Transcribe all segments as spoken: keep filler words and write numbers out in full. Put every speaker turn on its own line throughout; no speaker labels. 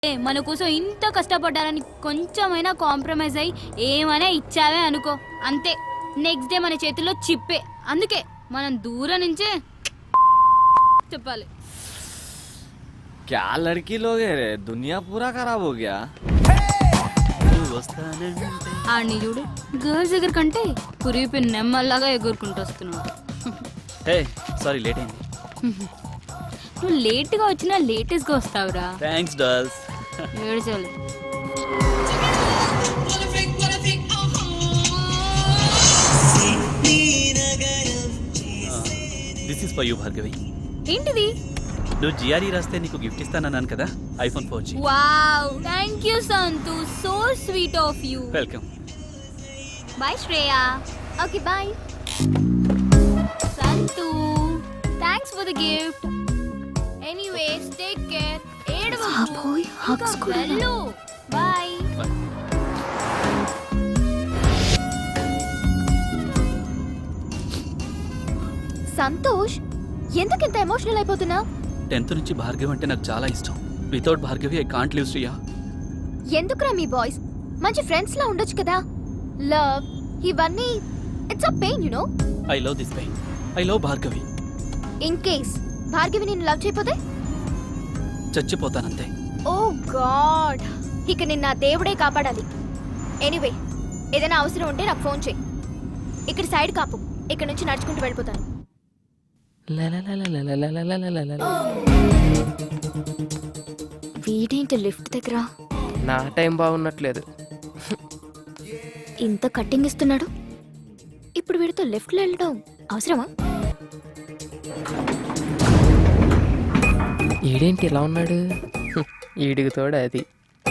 మన కోసం ఇంత కష్టపడ్డారని కొంచెమైనా కాంప్రమైజ్ అయ్యి ఏమైనా ఇచ్చావే అనుకో, అంతే నెక్స్ట్ డే మన చేతిలో చిప్పే. అందుకే మనం దూరం నుంచే చెప్పాలి.
क्या लड़की लोग है रे, दुनिया पूरा खराब हो गया.
ఆడిని చూడు, గర్ల్స్ దగ్గర కంటే కురిపి నెమ్మల్లాగా ఎగురుకుంటూ వస్తున్నాడు.
హే సారీ లేట్ అయింది.
నువ్వు లేట్గా వచ్చినా లేటెస్ట్గా వస్తావురా.
Thanks dolls.
ఏడ్చాలి.
This is for you Bhargavi.
ఏంటిది?
నువ్వు జిఆర్ఈ రాస్తే నీకు గిఫ్ట్ ఇస్తానన్నాను కదా, iPhone four G.
Wow, thank you Santhu, so sweet of you.
Welcome.
Bye Shreya. Okay bye Santhu, thanks for the gift. Anyways take care. ఏడవకు. హగ్స్ కూడా. బాయ్.
సంతోష్, ఎందుకింత ఎమోషనల్ అయిపోతున్నావు?
టెన్త్ నుంచి భార్గవి అంటే నాకు చాలా ఇష్టం. Without Bhargavi I can't live Shriya.
ఎందుకురా మీ బాయ్స్ మంచి ఫ్రెండ్స్ లా ఉండొచ్చు కదా. లవ్ ఇవన్నీ it's a pain, you know.
I love this pain. I love Bhargavi.
In case Bhargavi నిన్ను లవ్ చేయకపోతే
చచ్చిపోతానంతే.
ఓ గాడ్, ఇక నిన్న దేవుడే కాపాడాలి. ఎనీవే, ఏదైనా అవసరం ఉంటే నాకు ఫోన్ చేయి. ఇక్కడ సైడ్ కాపు, ఇక్కడ నుంచి నడుచుకుంటూ వెళ్ళిపోతాను. వీడేంటి లిఫ్ట్ దగ్గర?
నా టైం బాగున్నట్లేదు.
ఇంత కట్టింగ్ ఇస్తున్నాడు, ఇప్పుడు వీడితో లెఫ్ట్ లో వెళ్ళడం అవసరమా?
ఈడేంటి ఇలా ఉన్నాడు? ఈడికి తోడు అది.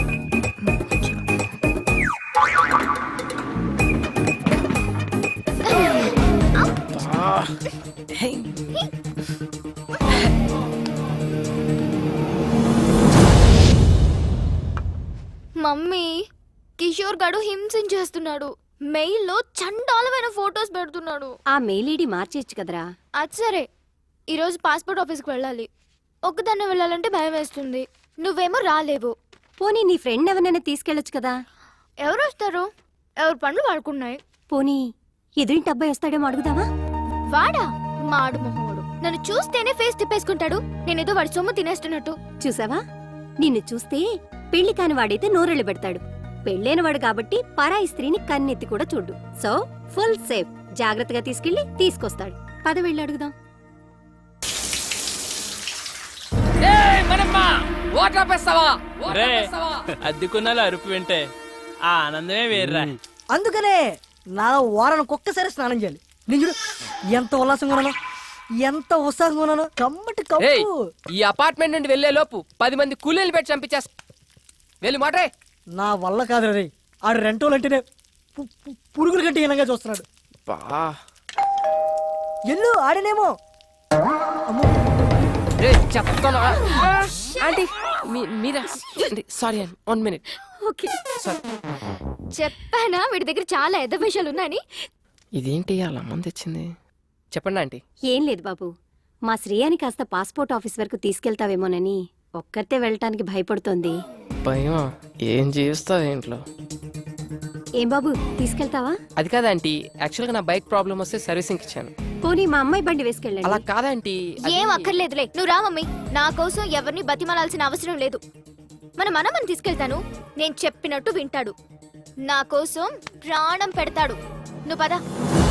మమ్మీ, కిషోర్ గడు హింసించేస్తున్నాడు. మెయిల్ లో చండాలమైన ఫోటోస్ పెడుతున్నాడు.
ఆ మెయిల్ ఐడి మార్చేయచ్చు కదరా.
అది సరే, ఈరోజు పాస్పోర్ట్ ఆఫీస్కి వెళ్ళాలి. ఒక్కదాన్నే వెళ్ళాలంటే భయం వేస్తుంది. నువ్వేమో రాలేవు.
పోనీ నీ ఫ్రెండ్ ఎవరైనా తీసుకెళ్ళొచ్చు కదా.
ఎవరు వస్తారు? ఎవరు పనులు వాడుకున్నాయి.
పోనీ ఎదురింటి అబ్బాయి వస్తాడేమో అడుగుదావా?
వాడా? మాడు మొహోడు. నన్ను చూస్తేనే ఫేస్ తిప్పేసుకుంటాడు. నేనేదో వాడి సొమ్ము తినేస్తున్నట్టు.
చూసావా, నిన్ను చూస్తే పెళ్లి కాని వాడైతే నోరెళ్ళు పెడతాడు. పెళ్ళైన వాడు కాబట్టి పరాయి స్త్రీని కన్నెత్తి కూడా చూడు. So full safe. జాగ్రత్తగా తీసుకెళ్లి తీసుకొస్తాడు. పద వెళ్ళి అడుగుదాం.
అద్దెకున్నాలో అరుపు వింటే ఆ ఆనందమే వేర్రా.
అందుకనే నా వారానికి ఒక్కసారి స్నానం చేయాలి. నేను చూడు ఎంత ఉల్లాసంగా ఉన్నాను, ఎంత ఉత్సాహంగా ఉన్నాను. కమ్మటి కప్పు.
ఈ అపార్ట్మెంట్ నుండి వెళ్లే లోపు పది మంది కూలీలు పెట్టి చంపించేస్తా. వెళ్ళి మాటే.
నా వల్ల కాదు రే, ఆడు రెంటోలు అంటేనే పు- పు- పురుగుల కంటే హీనంగా చూస్తున్నాడు. ఎల్లు ఆడనేమో.
చెప్తాను ఆంటీ, మీరా? సారీ అండి, వన్ మినిట్.
ఓకే, చెప్పానా వీడి దగ్గర చాలా ఎద్ద విషయాలు ఉన్నాయని.
ఇదేంటి అలా మంది తెచ్చింది? చెప్పండి ఆంటీ.
ఏం లేదు బాబు, మా శ్రేయాని కాస్త పాస్పోర్ట్ ఆఫీస్ వరకు తీసుకెళ్తావేమోనని ఒక్కరితే వెళ్ళటానికి భయపడుతోంది.
భయం? ఏం చేస్తావు ఇంట్లో?
ఏం బాబు, తీసుకెళ్తావా?
అది కాదంటీ, యాక్చువల్ గా నా బైక్ ప్రాబ్లం వస్తే సర్వీసింగ్ ఇచ్చాను.
పోనీ మా అమ్మాయి బండి
అలా
వేసుకెళ్ళండి.
కాదంటీ.
ఏం అక్కర్లేదులే, నువ్వు రా మమ్మీ. నా కోసం ఎవరిని బతిమాలాల్సిన అవసరం లేదు. మన మనమని తీసుకెళ్తాను. నేను చెప్పినట్టు వింటాడు. నా కోసం ప్రాణం పెడతాడు. నువ్వు పద.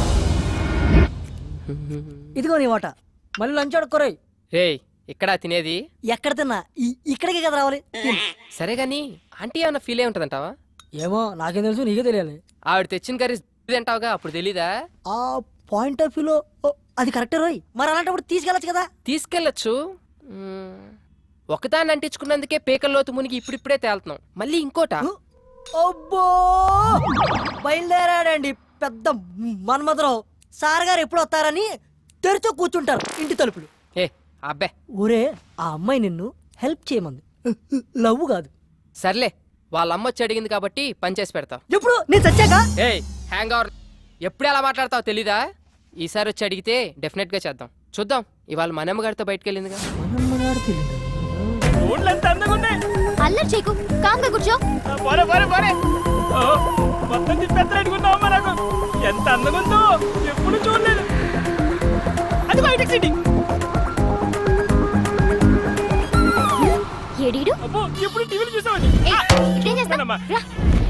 ఇదిగో నీ వాట. మళ్ళీ లంచ్ ఆడుకోరాయి.
రే, ఇక్కడ తినేది?
ఎక్కడ తిన్నా ఈ- ఇక్కడికే కదా రావాలి.
సరే గాని ఆంటీ ఏమన్నా ఫీల్ అయి ఉంటదంటావా?
ఏమో నాకేం తెలుసు, నీకే తెలియాలి.
ఆవిడ తెచ్చిన కర్రీ తింటావుగా, అప్పుడు తెలీదా?
ఆ పాయింట్ ఆఫ్ వ్యూలో అది కరెక్టే రోయ్. మరి అలాంటప్పుడు తీసుకెళ్ళచ్చు కదా.
తీసుకెళ్ళచ్చు. ఒకదాన్ని అంటించుకున్నందుకే పేకల్లోతు మునిగి ఇప్పుడిప్పుడే తేలుతున్నాం. మళ్ళీ ఇంకోట.
అబ్బో, బయలుదేరాడండి పెద్ద మన్మధరావు. సార్ గారు ఎప్పుడు వస్తారని తెరిచో కూర్చుంటారు ఇంటి తలుపులు.
ఏ అబ్బే,
ఒరే, ఆ అమ్మాయి నిన్ను హెల్ప్ చేయమంది, లవ్ కాదు.
సర్లే, వాళ్ళ అమ్మ వచ్చి అడిగింది కాబట్టి పని చేసి పెడతావు.
ఎప్పుడు నేను చచ్చాక?
ఏ హ్యాంగ్ అవర్, ఎప్పుడు ఎలా మాట్లాడతావు తెలీదా? ఈసారి వచ్చి అడిగితే డెఫినెట్ గా చేద్దాం. చూద్దాం, ఇవాళ మనమ్మ గారితో బయటకు వెళ్ళిందిగా.
మనమ్మ గారు తెలియదు.
అల్లరి చేయకు కాంగా కూర్చో.
పోరే పోరే పోరే ఓ, మొత్తం తిప్పెత్తలేడుకున్నావు నాకు ఎంత అందంగా ఉందో ఎప్పుడు చూడలేదు. అది బయటకు సిటీ
ఏడీడు
అబ్బో ఎప్పుడు టీవీలు చూసామని
ఏయ్, ఇప్పుడేం చేస్తావ్? రా